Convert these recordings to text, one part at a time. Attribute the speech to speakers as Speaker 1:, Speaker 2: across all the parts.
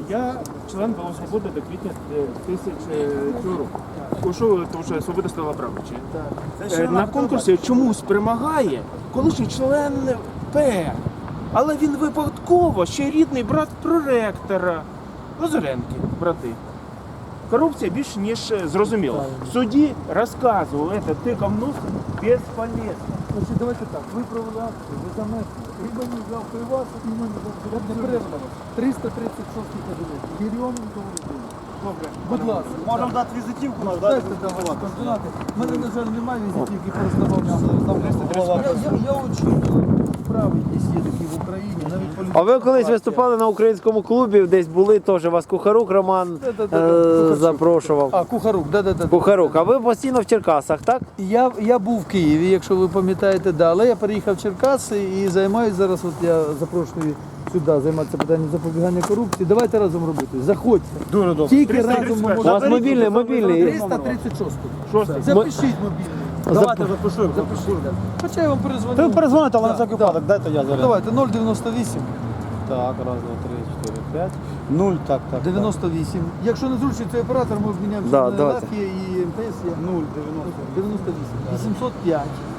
Speaker 1: Я член «Було Свободи» до квітня 2000 року. Пішов, тому що «Свобода» стала правичі. На конкурсі чомусь перемагає колишній член ПР. Але він випадково ще рідний брат проректора. Лазаренки, брати. Корупція більш ніж зрозуміла. В суді розказував, тикав нос безполезно.
Speaker 2: Значить, давайте так, ви провели акцію, ви замесли, і мені взяв при вас, і мені взяв не перестав. 336 кабінет. Єрьоменко Володимир.
Speaker 1: Добре.
Speaker 2: Будь ласка.
Speaker 3: Можемо дати візитівку, наш
Speaker 2: Дайте давайте координати. У мене, на жаль, немає візитівки, пороздавав. Я очікую, справи якісь є такі в Україні, навіть політичні.
Speaker 4: А ви колись виступали на українському клубі, десь були теж, вас Кухарук Роман запрошував.
Speaker 2: А, Кухарук, да.
Speaker 4: Кухарук, а ви постійно в Черкасах, так?
Speaker 2: Я був в Києві, якщо ви пам'ятаєте, да, але я переїхав в Черкаси і займаюся зараз, от я запрошую сюди займатися питанням запобігання корупції. Давайте разом робити. Заходьте.
Speaker 3: Дуже добре.
Speaker 2: Тільки разом ми
Speaker 4: У вас
Speaker 2: можемо.
Speaker 4: мобільний.
Speaker 2: 336.
Speaker 1: Шостий.
Speaker 2: Запишіть мобільний.
Speaker 3: Давайте запишемо.
Speaker 2: Запишіть. Да. Хоча я вам перезвоню.
Speaker 3: Ви перезвоните, але на
Speaker 2: Да,
Speaker 3: всякий
Speaker 2: да.
Speaker 3: випадок, дайте я зараз.
Speaker 2: Давайте 098
Speaker 3: Так, раз, два, три, 4, 5. 0, так.
Speaker 2: 98. Якщо не зручний цей оператор, ми обміняємося
Speaker 4: Да,
Speaker 2: на
Speaker 4: давайте.
Speaker 2: Лафія і МТС.
Speaker 3: 0,
Speaker 2: 98. 805.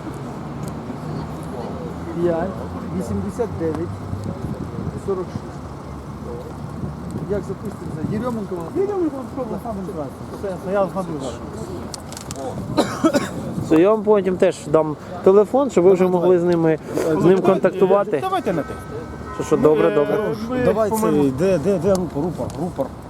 Speaker 2: 5. 89. 46. Як запуститься? Єрьоменко? Єрьоменко спробував саме зразу.
Speaker 3: Я згадую зараз.
Speaker 4: То я вам потім теж дам телефон, щоб ви вже могли з ним контактувати.
Speaker 1: Давайте на те.
Speaker 4: Що, добре.
Speaker 1: Ми
Speaker 3: Давай
Speaker 1: по-моєму,
Speaker 3: цей, де рупор?